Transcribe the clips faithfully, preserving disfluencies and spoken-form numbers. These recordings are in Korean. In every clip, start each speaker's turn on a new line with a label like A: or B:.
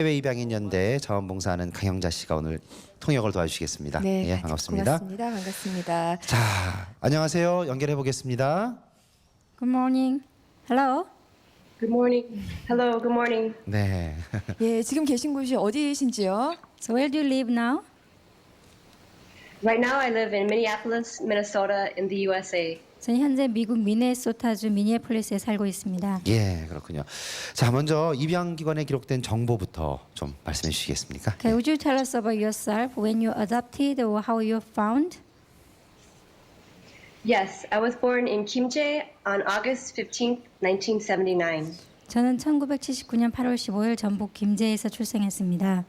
A: 해외 입양인 연대 자원봉사하는 강영자 씨가 오늘 통역을 도와주시겠습니다.
B: 네,
A: 예, 반갑습니다.
B: 고맙습니다. 반갑습니다.
A: 자, 안녕하세요. 연결해 보겠습니다.
C: Good morning. Hello.
D: Good morning. Hello, good morning.
A: 네.
B: 예, 지금 계신 곳이 어디이신지요?
C: So where do you live now?
D: Right now I live in Minneapolis, Minnesota in the U S A.
C: 저는 현재 미국 미네소타주 미니애폴리스에 살고 있습니다.
A: 예, 그렇군요. 자, 먼저 입양기관에 기록된 정보부터 좀 말씀해 주시겠습니까?
C: Okay, would you tell us about yourself when you adopted or how you found?
D: Yes, I was born in Kimjae on August fifteenth, nineteen seventy-nine.
C: 저는 천구백칠십구 년 팔월 십오일 전북 김제에서 출생했습니다.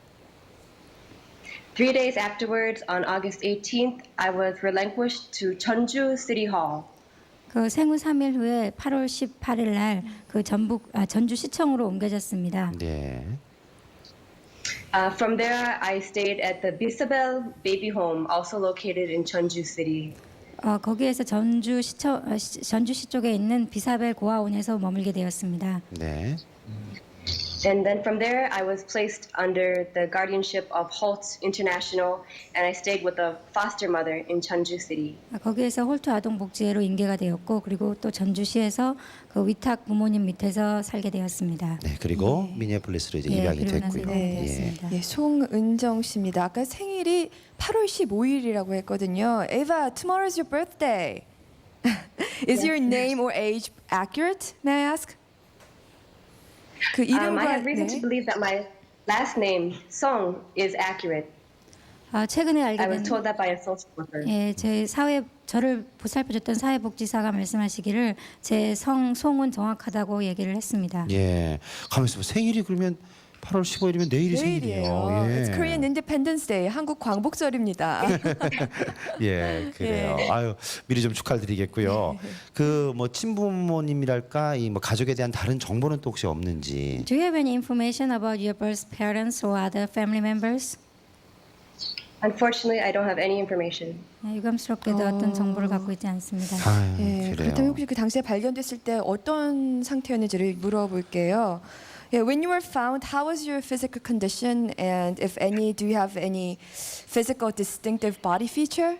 D: Three days afterwards, on August eighteenth, I was relinquished to Cheonju City Hall.
C: 그 생후 삼 일 후에 팔월 십팔일 날 그 전북 아, 전주시청으로 옮겨졌습니다.
A: 네.
D: Uh, from there, I stayed at the Bisabel Baby Home, also located in Cheonju City.
C: 어, 거기에서 전주시청 어, 시, 전주시 쪽에 있는 비사벨 고아원에서 머물게 되었습니다.
A: 네.
D: And then from there, I was placed under the guardianship of Holt International, and I stayed with a foster mother in Cheonju City.
C: 아, 거기에서 홀트 아동복지회로 인계가 되었고 그리고 또 전주시에서 그 위탁 부모님 밑에서 살게 되었습니다.
A: 네, 그리고 미니애폴리스로 이제
C: 예,
A: 입양이
C: 그리고 나서
A: 됐고요.
C: 입양이
A: 예.
C: 되었습니다.
B: 예, 송은정 씨입니다. 아까 생일이 팔월 십오일이라고 했거든요. Eva, tomorrow is your birthday. Is your name or age accurate? May I ask? 그
D: Um, I
B: 이름과
D: have reason to
B: 네.
D: believe that my last name, Song, is accurate.
C: 아, 최근에 알게
D: I was
C: 된
D: told that by a social worker.
C: 예, 제 사회 저를 보살펴줬던 사회복지사가 말씀하시기를 제 성 송은 정확하다고 얘기를 했습니다.
A: 예. 가만있어 봐. 생일이 그러면 팔월 십오일이면 내일이
B: 내일이에요.
A: 생일이에요. 예.
B: It's Korean Independence Day. 한국 광복절입니다.
A: 예, 그래요.
B: 예.
A: 아유, 미리 좀 축하드리겠고요. 그 뭐 친부모님이랄까 이 뭐 가족에 대한 다른 정보는 또 혹시 없는지.
C: Do you have any information about your birth parents or other family members?
D: Unfortunately, I don't have any information.
C: 네, 유감스럽게도 어떤 정보를 갖고 있지 않습니다.
A: 아유,
B: 예,
A: 그래요.
B: 그렇다면 혹시 그 당시에 발견됐을 때 어떤 상태였는지를 물어볼게요. Yeah, when you were found, how was your physical condition, and if any, do you have any physical distinctive body feature?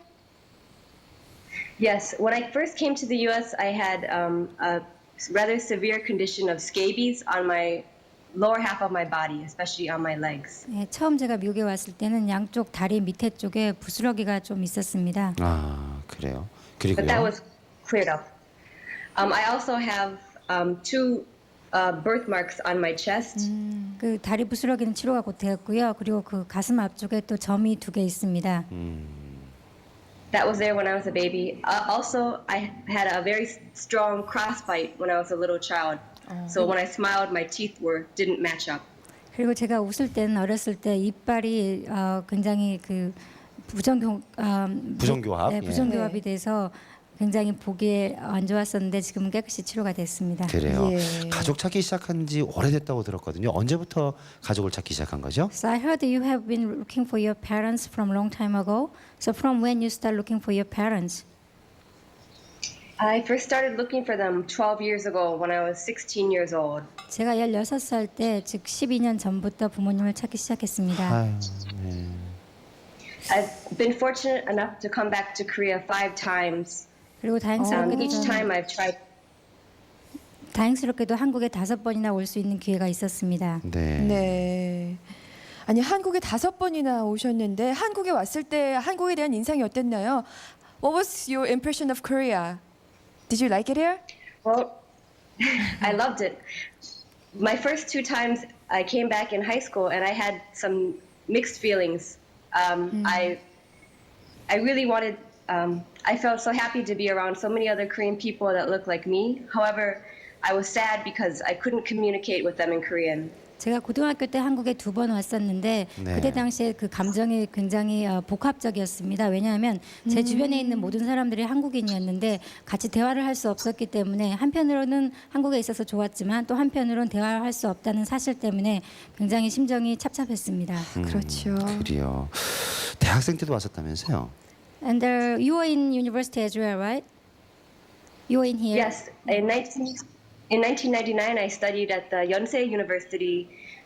D: Yes, when I first came to the U S, I had um, a rather severe condition of scabies on my lower half of my body, especially on my legs.
C: 예, 처음 제가 미국에 왔을 때는 양쪽 다리 밑에 쪽에 부스러기가 좀 있었습니다.
A: 아, 그래요.
D: But that
A: 그리고요.
D: was cleared up. Um, I also have um, two uh, birthmarks on my chest.
C: 그 다리 부스러기는 치료가 곧 되었고요. 그리고 그 가슴 앞쪽에 또 점이 두 개 있습니다.
D: That was there when I was a baby. Uh, also, I had a very s- strong crossbite when I was a little child. So when I smiled, my teeth were didn't match up.
C: 그리고 제가 웃을 때는 어렸을 때 이빨이 어, 굉장히 그 부정교 어,
A: 부정교합?
C: 네,
A: 예.
C: 부정교합이 돼서 굉장히 보기에 안 좋았었는데 지금은 깨끗이 치료가 됐습니다.
A: 그래요.
B: 예.
A: 가족 찾기 시작한 지 오래됐다고 들었거든요. 언제부터 가족을 찾기 시작한 거죠?
C: So I heard you have been looking for your parents from a long time ago. So from when you start looking for your parents?
D: I first started looking for them twelve years ago when I was sixteen years old.
C: 제가 열여섯 살 때, 즉 십이 년 전부터 부모님을 찾기 시작했습니다.
A: 아유, 예.
D: I've been fortunate enough to come back to Korea five times.
C: 그리고
D: Um,
C: 다행스럽게도
D: each
C: 저는
D: time I've tried.
C: 다행스럽게도 한국에 다섯 번이나 올 수 있는 기회가 있었습니다.
A: 네.
B: 네. 아니 한국에 다섯 번이나 오셨는데 한국에 왔을 때 한국에 대한 인상이 어땠나요? What was your impression of Korea? Did you like it here?
D: Well, I loved it. My first two times I came back in high school and I had some mixed feelings. Um, I, I really wanted. Um, I felt so happy to be around so many other Korean people that look like me. However, I was sad because I couldn't communicate with them in Korean.
C: 제가 고등학교 때 한국에 두 번 왔었는데
A: 네.
C: 그때 당시에 그 감정이 굉장히 어, 복합적이었습니다. 왜냐하면 제 주변에 있는 모든 사람들이 한국인이었는데 같이 대화를 할 수 없었기 때문에 한편으로는 한국에 있어서 좋았지만 또 한편으로는 대화를 할 수 없다는 사실 때문에 굉장히 심정이 찹찹했습니다.
B: 그렇죠.
A: 그래요. 대학생 때도 왔었다면서요?
C: And uh, you were in university as well, right? You were in here.
D: Yes, in nineteen in nineteen ninety-nine, I studied at the Yonsei University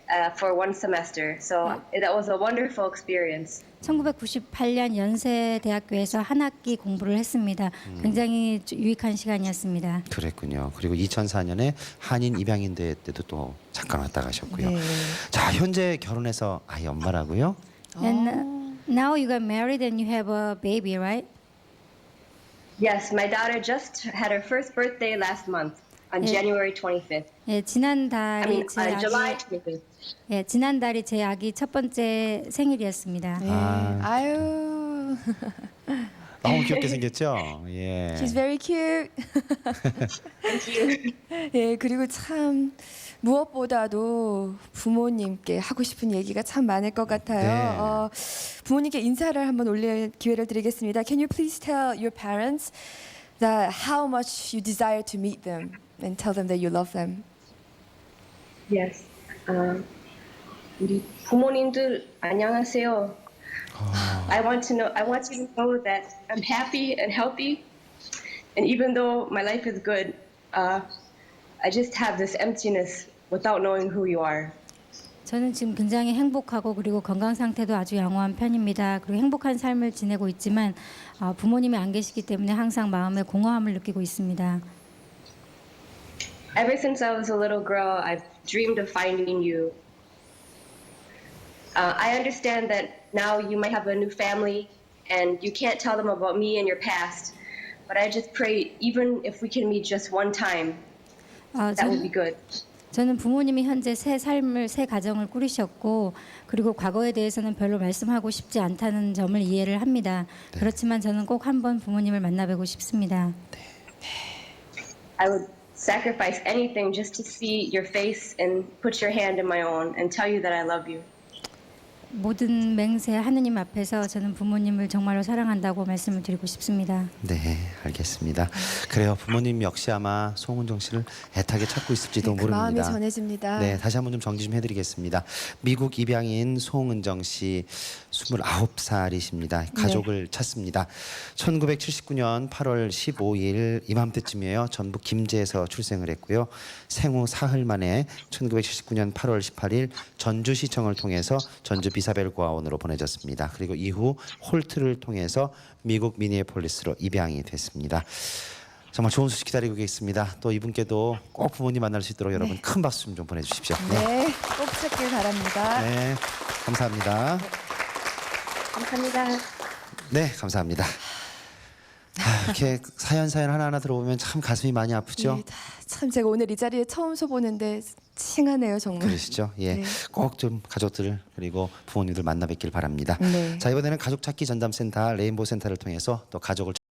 D: uh, for one semester. So that was a wonderful experience.
C: 천구백구십팔 년 연세대학교에서 한 학기 공부를 했습니다. 굉장히 주- 유익한 시간이었습니다.
A: 그랬군요. 그리고 이천사 년에 한인 입양인 대회 때도 또 잠깐 왔다 가셨고요.
B: 네.
A: 자, 현재 결혼해서 아이 엄마라고요?
C: And uh, now you got married and you have a baby, right?
D: Yes, my daughter just had her first birthday last month on
C: Yeah.
D: January twenty-fifth.
C: 예, 지난
D: I
C: 달이
D: mean,
C: 제
D: uh, July
C: 아기
D: twenty-fifth.
C: 예, 지난 달이 제 아기 첫 번째 생일이었습니다.
B: 네.
A: 아.
B: 아유.
A: 너무 귀엽게 생겼죠? 예.
B: She's very cute.
D: Thank you.
B: 예, 그리고 참 무엇보다도 부모님께 하고 싶은 얘기가 참 많을 것 같아요.
A: 네.
B: 어, 부모님께 인사를 한번 올릴 기회를 드리겠습니다. Can you please tell your parents that how much you desire to meet them and tell them that you love them?
D: Yes. Uh, 우리 부모님들 안녕하세요. I want to know. I want you to know that I'm happy and healthy, and even though my life is good, uh, I just have this emptiness without knowing who you are.
C: 저는 지금 굉장히 행복하고 그리고 건강 상태도 아주 양호한 편입니다. 그리고 행복한 삶을 지내고 있지만 어, 부모님이 안 계시기 때문에 항상 마음에 공허함을 느끼고 있습니다.
D: Ever since I was a little girl, I've dreamed of finding you. Uh, I understand that now you might have a new family and you can't tell them about me and your past, but I just pray even if we can meet just one time,
C: 어,
D: that would
C: 저는,
D: be good.
C: 저는 부모님이 현재 새 삶을 새 가정을 꾸리셨고 그리고 과거에 대해서는 별로 말씀하고 싶지 않다는 점을 이해를 합니다. 그렇지만 저는 꼭 한번 부모님을 만나뵈고 싶습니다.
D: I would sacrifice anything just to see your face and put your hand in my own and tell you that I love you.
C: 모든 맹세 하느님 앞에서 저는 부모님을 정말로 사랑한다고 말씀을 드리고 싶습니다.
A: 네, 알겠습니다. 그래요. 부모님 역시 아마 송은정 씨를 애타게 찾고 있을지도
B: 네, 그 마음이
A: 모릅니다.
B: 전해집니다.
A: 네, 다시 한번 좀 정리 좀 해드리겠습니다. 미국 입양인 송은정 씨, 스물아홉 살이십니다. 가족을 찾습니다. 천구백칠십구 년 팔월 십오일 이맘때쯤이에요. 전북 김제에서 출생을 했고요. 생후 사흘 만에 천구백칠십구 년 팔월 십팔일 전주시청을 통해서 전주 비사벨 고아원으로 보내졌습니다. 그리고 이후 홀트를 통해서 미국 미니애폴리스로 입양이 됐습니다. 정말 좋은 소식 기다리고 계십니다. 또 이분께도 꼭 부모님 만날 수 있도록 여러분 큰 박수 좀 좀 보내주십시오.
B: 네, 꼭 찾길 바랍니다.
A: 네, 감사합니다.
D: 감사합니다.
A: 네, 감사합니다. 아, 이렇게 사연 사연 하나하나 들어보면 참 가슴이 많이 아프죠?
B: 예, 다- 참 제가 오늘 이 자리에 처음 서보는데 칭하네요 정말.
A: 그러시죠? 예,
B: 네.
A: 꼭 좀 가족들 그리고 부모님들 만나 뵙길 바랍니다.
B: 네.
A: 자, 이번에는 가족 찾기 전담센터 레인보우 센터를 통해서 또 가족을